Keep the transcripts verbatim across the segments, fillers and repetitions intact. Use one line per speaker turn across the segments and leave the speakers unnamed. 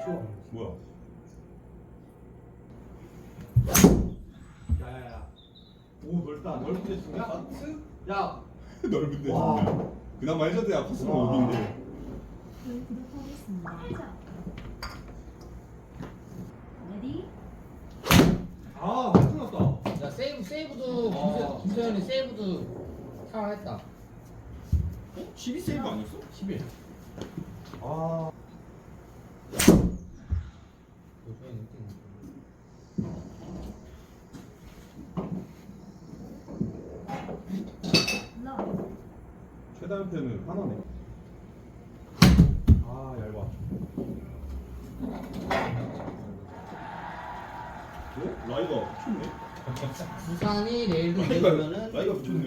치워.
뭐야?
야야야. 오 넓다. 넓은 데 쓰냐?
하트?
야.
넓은데
와.
진짜. 그나마 해저드야 코스모
와.
오빈데.
를 구독하겠습니다. 레디?
아 끝났다.
야 세이브 세이브도
아.
김세, 김세현이 세이브도 사랑했다.
십이 세이브 아니었어?
십일. 아.
요즘에 느낌.
러.
최다 연패는 하나네. 아 얇아. 어? 라이가 붙였네.
부산이 내일도
라이가
내려오면은
라이가 붙였네.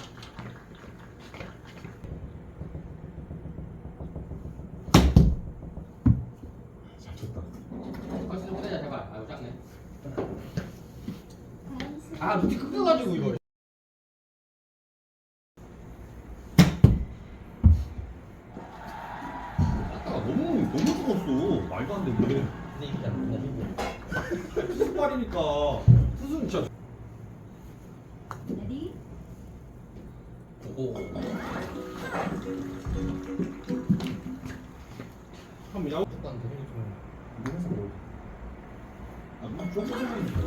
잘 쳤다.
벌써 좀 보내자 제발. 아유 작네.
다음 수.
아 루티 끊겨가지고 이거.
아까 너무 너무 죽었어. 말도 안 되는데.
근데 이기잖아. 나 지금.
투수발이니까 투수는 진짜.
레디?
오.
한번 야구.
무조건 되는 게 좀.
이거 해서 뭐? 아, 뭐 쪼꼬쪼꼬니까.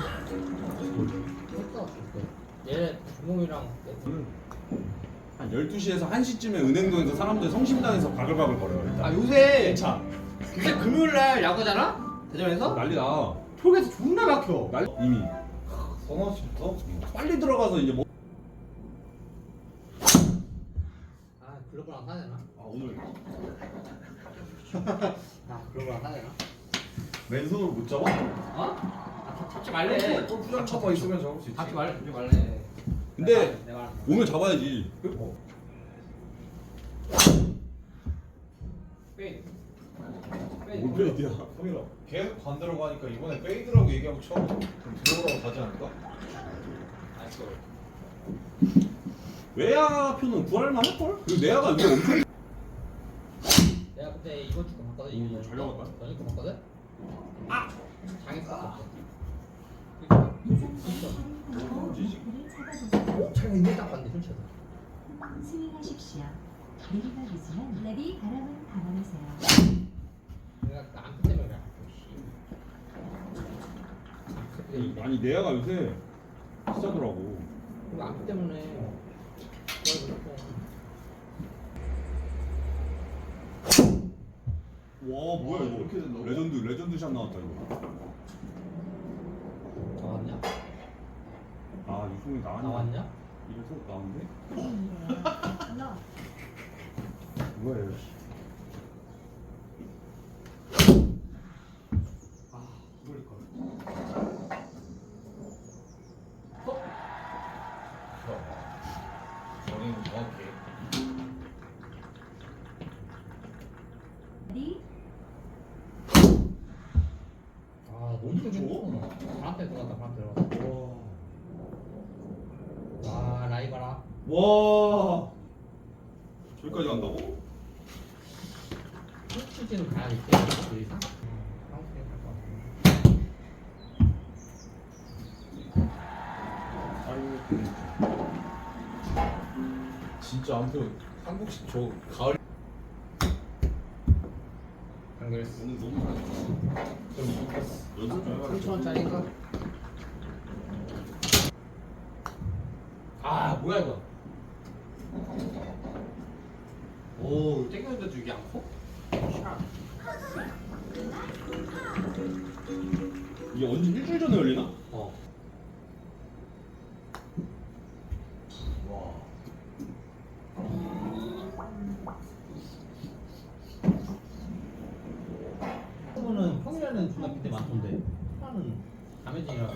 했어. 얘 주몽이랑
한 열두 시에서 한 시쯤에 은행동에서 사람들 성심당에서 바글바글 거려요. 일단.
아 요새
차.
요새 금요일날 야구잖아? 대전에서?
난리 나.
톨게이트 존나 막혀.
날 이미
서너 시부터?
빨리 들어가서 이제 뭐.
아 글로벌 안 사야 되나?
아 오늘
아 글로벌 안 사야 되나?
맨손으로 못 잡아?
어? 아 잡- 잡지 말래.
골프장 쳐봐 있으면 잡을 수 있지.
잡지 말래. 잡지 말래.
근데
내가 말-
오늘 잡아야지.
어.
페이드.
뭘 페이드야?
성일아 계속 반대로 가니까 이번에 페이드라고 얘기하고 처음 좀 들어오라고 가지 않을까?
알았어.
외야표는 구할만 할걸? 그리고 내야가 이거 엄청.
내가 그때 이번 주거 봤거든.
오,
이번
잘 나갔다.
전에 거 봤거든. 아 장했어. 오 자기가 이걸 딱 봤는데 훔쳐서.
스윙하십시오. 내리막이지만 레디 바람은 감안하세요.
내가 그 안프 때문에 그래. 씨.
아니 내야가 요새 비싸더라고.
그 안프 때문에. 그걸 그렇고.
와 뭐야
아,
이거
이렇게 된다고?
레전드 레전드 샷 나왔다 이거.
나왔냐?
아 유승이 나왔냐?
나왔냐?
이래서 나왔네?
땡이래요. 러.
뭐야 이거.
아 이걸 걸.
정의는 정확해.
레디?
아 너무 좋아. 바람대 들어갔다 바람대 들어갔다. 와 라이 봐라.
와 저기까지 간다고?
훔치지는 가야겠지. 그 이상. 한국 생각 할것 같아.
아이고
진짜 아무튼 한국식 저 가을
강렬스.
오늘 너무 잘했어.
좀 이겼어.
연습 좀 해봐.
삼천 원짜리인가? 아 뭐야 이거? 오 땡겼는데도 이게 안 커? 샤.
이게 언제 일주일 전에 열리나?
어.
와.
그거는 평일에는 존나 빈대 많던데. 하나는 담해진이라.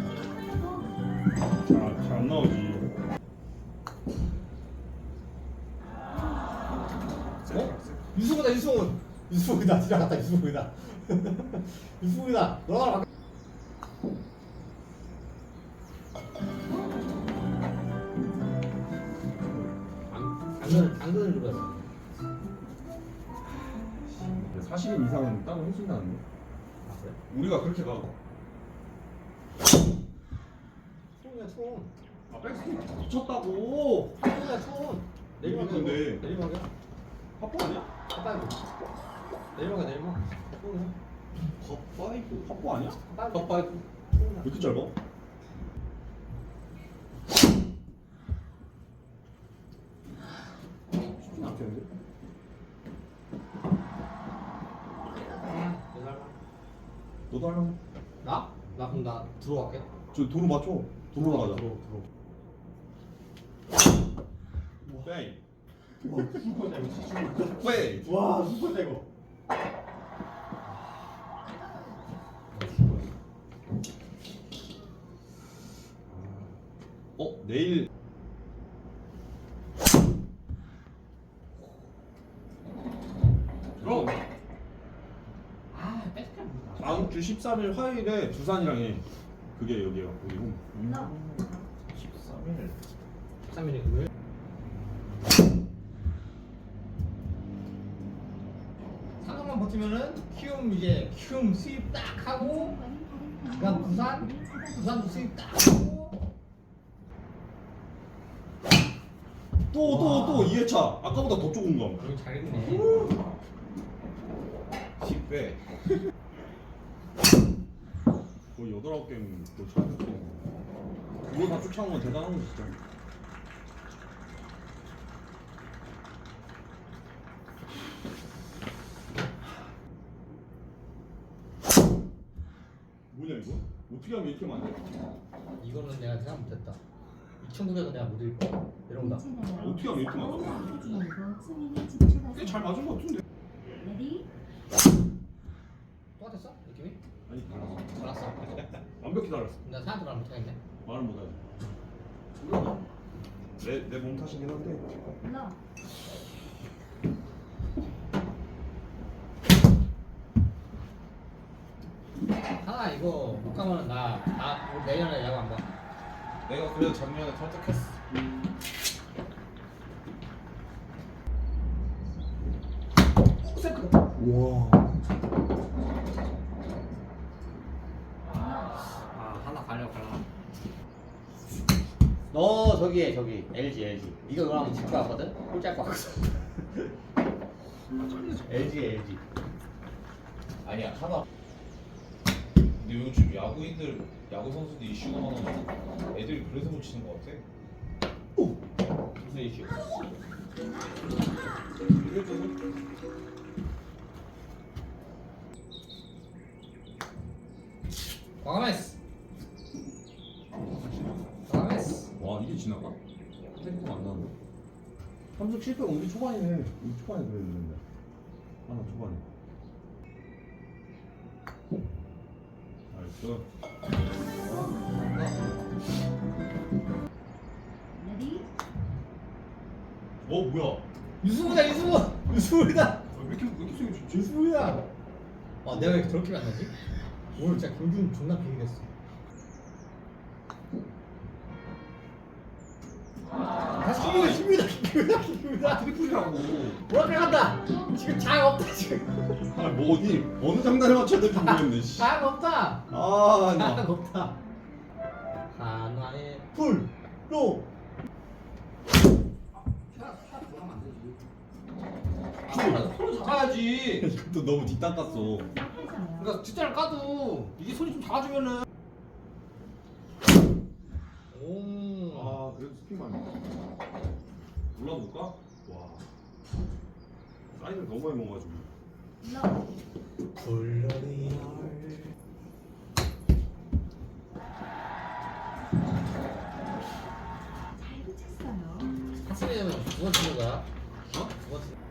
잘 안 나오지.
어? 유승우다 유승우. 유승우다 지나갔다 유승우다. 유승우다. 너랑 막. 당근 당근을 눌러야 돼.
사십 인 이상은 따로 해준다는데.
그래?
우리가 그렇게 가.
손이야 손.
아 백스핀 미쳤다고.
손이야 손. 내리막이야.
근데.
이거. 내리막이야.
파포 아니야?
헛다이브. 내리막이야 내리막. 손이야.
컵파이브. 파포 아니야?
헛다이브.
왜 이렇게 짧아? 쉽진 않겠는데? 너도 하려고?
나? 나 그럼 나 들어갈게.
저 도로 맞춰. 도로 가자.
들어 들어.
빼이.
와 슈퍼 잘 슈퍼.
빼이.
와 슈퍼 잘 거.
어 내일.
들어. 아 뺏겨.
다음 주 십삼 일 화요일에 두산이랑 해. 그게 여기야. 우리 홈.
러
십삼 일.
십삼 일에 금요일. 상황만 버티면은 키움 이제 키움 수입 딱 하고 그다음 부산 부산도 수입 딱 하고
또 또 또 이 회차. 아까보다 더 좁은 거.
여기 잘 있네.
십 배.
거의 여덟 아홉 게임 또 차였어. 그거 다 쫓아온 건 대단한 거 진짜. 뭐냐 이거? 어떻게 하면 이렇게 많이 돼?
이거는 내가 생각 못했다. 이천구백은 내가 못 읽고 이런 거.
어떻게 하면 이렇게 맞아? 꽤 잘
잘
맞은 거 같은데?
레디
똑같았어? 느낌이?
아니 달랐어.
달랐어.
완벽히 달랐어.
나 사람들 안 못하겠네.
말을 못하지. 몰라. 내내 몸 탓이긴 한데.
러
하나 이거 못 가면 나나 내년에 야구 안 가.
내가 그래도 작년에 설득했어.
와.
아 하나 가려고 가려고. 너 저기 해 저기 엘지 엘지. 네가 그러면 질 것 같거든? 꼴찌할 것 같거든. 엘지 엘지.
아니야 하나. 근데 요즘 야구인들 야구 선수들 이슈가 많아서 애들이 그래서 못 치는 것 같아.
무슨 이슈? 과감했어. 과감했어.
와 이게 지나가? 생각 안 나는데. 삼승 칠 패 우리 초반이네. 우리 초반에 그랬는데. 하나 초반에. 알았어.
레디
어 뭐야?
유수부다 유수부. 유수부다.
아, 왜 이렇게 왜 이렇게 생겼지?
유수부야. 아 내가 왜 이렇게 더럽게 만나지? 오늘 진짜 김준 존나 비리겠어. 다시 김준이다 김준이다 김준이다 김준이다.
트리플이라고.
뭐라 간다. 지금 장 없다 지금.
아 뭐 어디 어느 장단에 맞춰야 될지 모르겠네. 씨.
장 없다.
아
장
나.
없다. 하나의 불로. 손을 잡아야지.
이것도 너무 뒷땅 깠어.
해줘요.
그러니까 뒷자를 까도 이게 손이 좀 작아지면은. 오.
아 그래도 스피만. 올라볼까? 와. 사이즈를 너무 많이 먹어가지고.
러
불러리얼.
잘 붙였어요.
학생이면 누가 치는 거야? 어? 누가 치는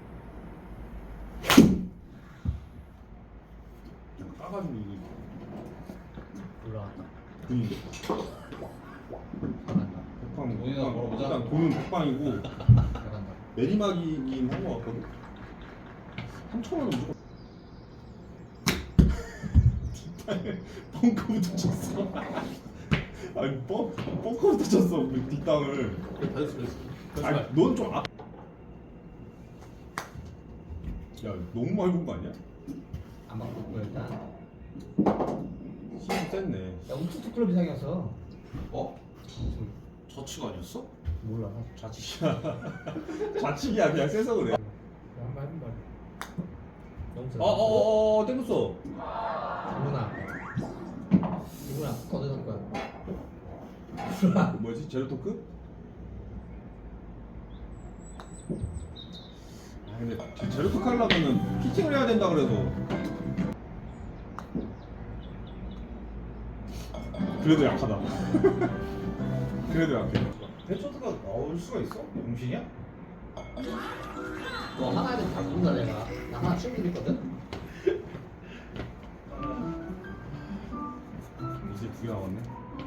그냥 까가지고 이거.
올라갔다.
돈인데.
잘간다.
백방.
돈이나
백방.
벌어보자.
일단 돈은 백방이고
잘간다.
내리막이긴 한 거 같거든. 삼천 원은 무조건. 벙커부터 쳤어. 아니 벙 벙커부터 쳤어 그 뒷땅을.
변수 변수.
아니 넌 좀 앞. 야 너무 많이 본 거 아니야?
안 맞고 일단.
힘이 셌네.
야 우투투 클럽 이상이었어.
어? 저치가 아니었어?
몰라.
좌측이야. 좌측이야 그냥 세서 그래.
한번 해본 말. 너무 세.
어어어 땡겼어.
누구나. 누구나 어디서 할 거야?
뭐지 제로 토크? 아 근데 제- 제로 토크 하려면은 피팅을 해야 된다 그래서. 그래도 약하다. 그래도 약해.
해처드가 나올 수가 있어? 용신이야?
너 하나에 대해 다 모른다 내가. 나 하나 친구 있거든.
이제 두 개 남았네.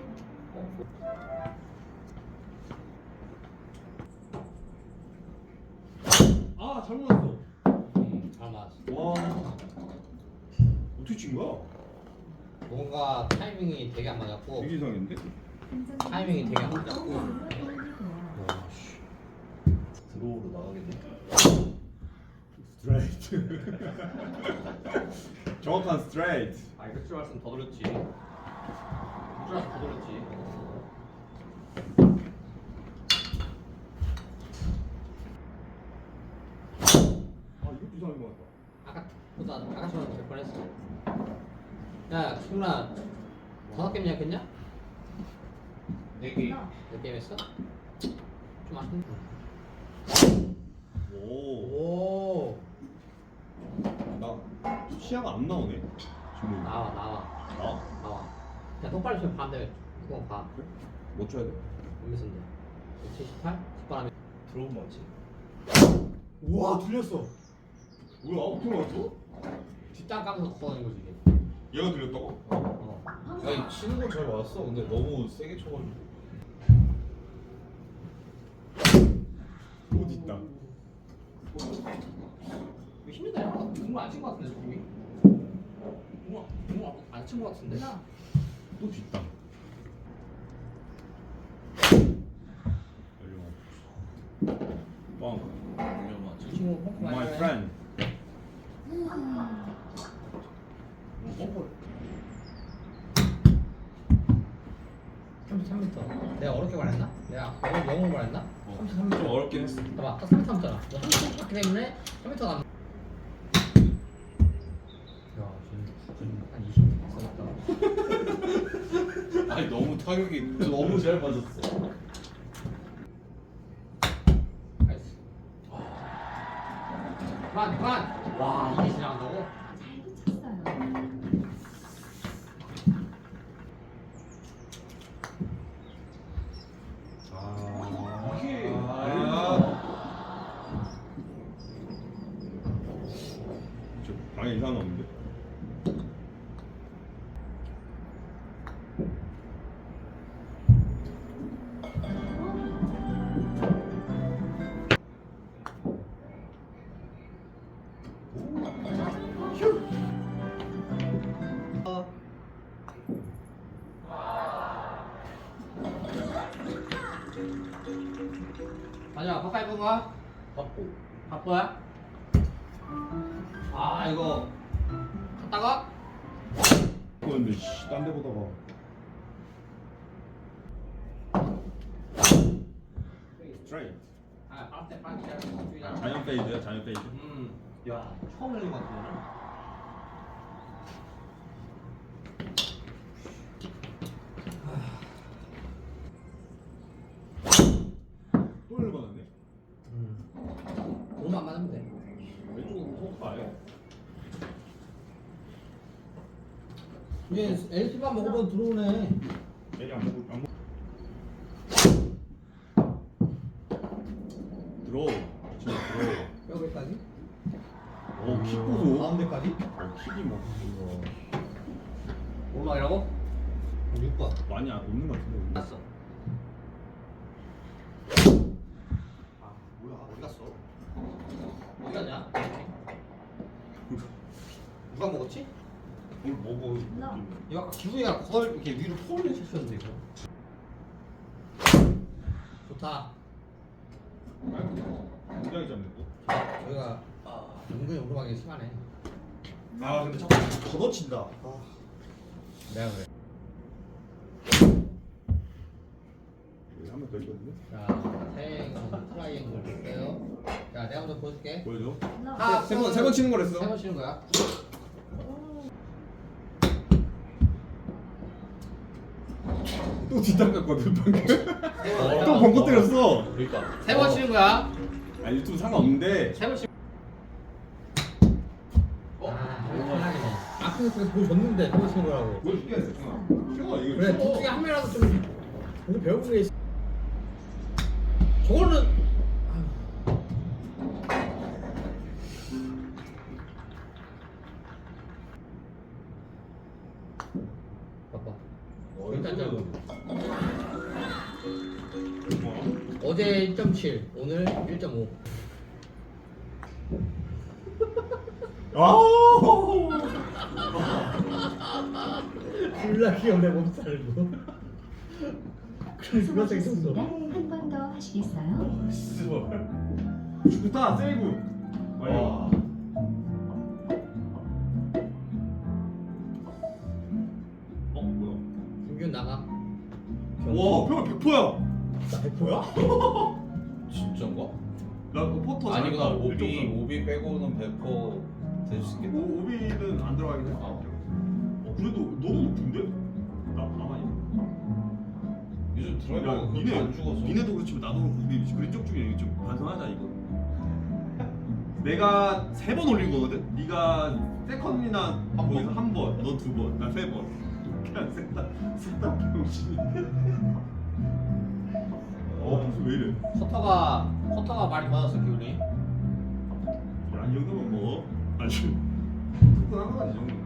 아 잘못 났어.
음, 잘 맞았어.
와 어떻게 친 거야?
뭔가 타이밍이 되게 안 맞았고
되게 이상했는데?
타이밍이 되게 안 맞았고
드로우로 나가겠네.
스트레이트. 정확한 스트레이트.
아 이거 줄 알았으면 더 돌렸지. 줄 알았으면 더 돌렸지.
아 이것도 이상한 거 같다.
아까 보다 아까처럼 될 뻔했어. 야 승훈아 다섯 게임 예약했냐?
네 개.
몇 게임 했어? 좀 아쉽네.
오.
오
나 시야가 안 나오네. 지금
나와 나와
나?
나와. 야 똑바로 치면 반대 그거 봐.
그래? 뭐 쳐야 돼?
몇 미터인데? 칠십팔? 뒷바람에
드로우 맞지?
우와 들렸어.
뭐야 어떻게 맞았어?
뒷땅 까면서 걷어낸 거지 이게.
얘가 들렸다고?
어.
아니 치는 건 잘 맞았어. 근데 너무 세게 쳐가지고.
또 뒷다.
이거 힘들다. 야. 정말 안친 거 같은데 저기. 정말 정말 안친 거 같은데.
또 뒷다. 뻥.
위험하지.
이 친구 펑크 많이
My
하네.
friend.
펑크. 삼십삼 미터. 내가 어렵게 말했나? 내가 영어 영어 말했나? 삼십삼 미터.
좀 어렵긴 했어.
봐봐, 딱 삼 미터 남잖아. 너 삼 미터 갔기 때문에 삼 미터 남. 야, 지금 한 이십 미터 갔다.
아니 너무 타격이 너무 잘 맞았어.
나이스. 그만, 그만. 와, 이게 지나간다고?
잘 붙였어요.
아
이게-
아. 저 방에 이상한 거 없는데?
맞아, 바빠 입은 거야?
바쁘.
바빠야? 아, 이거 갔다가
그런데 씨딴 데 보다가 스트레이트.
아, 바람 때 바람 때
아, 자연 페이드야 자연 페이드.
음, 야, 처음 열린 것 같은데.
또 열받았네.
음, 몸 안 맞으면 돼.
왼쪽으로 소파 아예.
이제 엘씨만 먹으면 들어오네.
내리 안 먹고 안 먹. 들어. 진짜 들어.
뼈에까지?
오, 킥 보소.
가운데까지?
어, 킥이 뭐
오르막이라고? 육 번.
많이 안 없는 것 같은데.
났어. 아, 뭐야? 어디 갔어? 어디 갔냐? 누가 먹었지?
뭘 먹어?
러.
이거 아까 기분이가 거의 이렇게 위로 포올린 쳤었는데 이거. 좋다.
굉장히 잡네 또.
저희가 은근히 오르막이 심하네.
아 근데 자꾸 걷어친다. 아.
내가 그래.
한 번 더 있거든요.
자, 태행 트라이앵글 볼게요. 자, 내가 먼저 보여줄게.
보여줘.
아,
세 번 세 번 치는 거랬어.
세번 치는 거야.
또 뒷땅 갔거든 방금.
어,
또 벙커 때렸어.
그러니까.
세 번 치는 거야.
아 유튜브 상관없는데.
세 번 치.
어?
아, 편하게. 아, 그래서 보여줬는데 세 번 치는 거라고.
보여줄게. 승아. 승아 이거.
그래, 둘 중에 한 명이라도 좀 보고 배우는 게 있어. 저거는 봐봐. 일단 좀 어제 일 점 칠, 오늘 일 점 오.
아우.
졸라 귀엽네 몸살고. 그래서 그렇게
수고하셨습니다.
있었어.
한 번 더 하시겠어요?
좋다 세이브.
와.
어 뭐야?
김균 나가.
와 표가 백 퍼센트야.
나 백 퍼센트야?
진짠가?
나 그거 포터
아니구나.
잘했다.
오비
일점삼.
오비 빼고는 백 퍼센트 될 수 있겠다.
오, 오비는 안 들어가긴 해.
아.
어 그래도 너도 높은데? 나 가만히.
요즘 드라이버가
야,
그렇게
니네
안 죽어서.
니네도 그렇지만 나도 그렇고 우리 그린 쪽 중에 좀 반성하자 이거. 내가 세 번 올린 거거든. 네가 세컨이나
한
거기서
번.
한 번, 넌 두 번, 나 세 번. 그냥 셋다 셋다 병신이. 어 무슨 왜 이래?
커터가 커터가 많이 받았어 기분이.
야이 정도면 뭐 아주 특별한 거지 이 정도.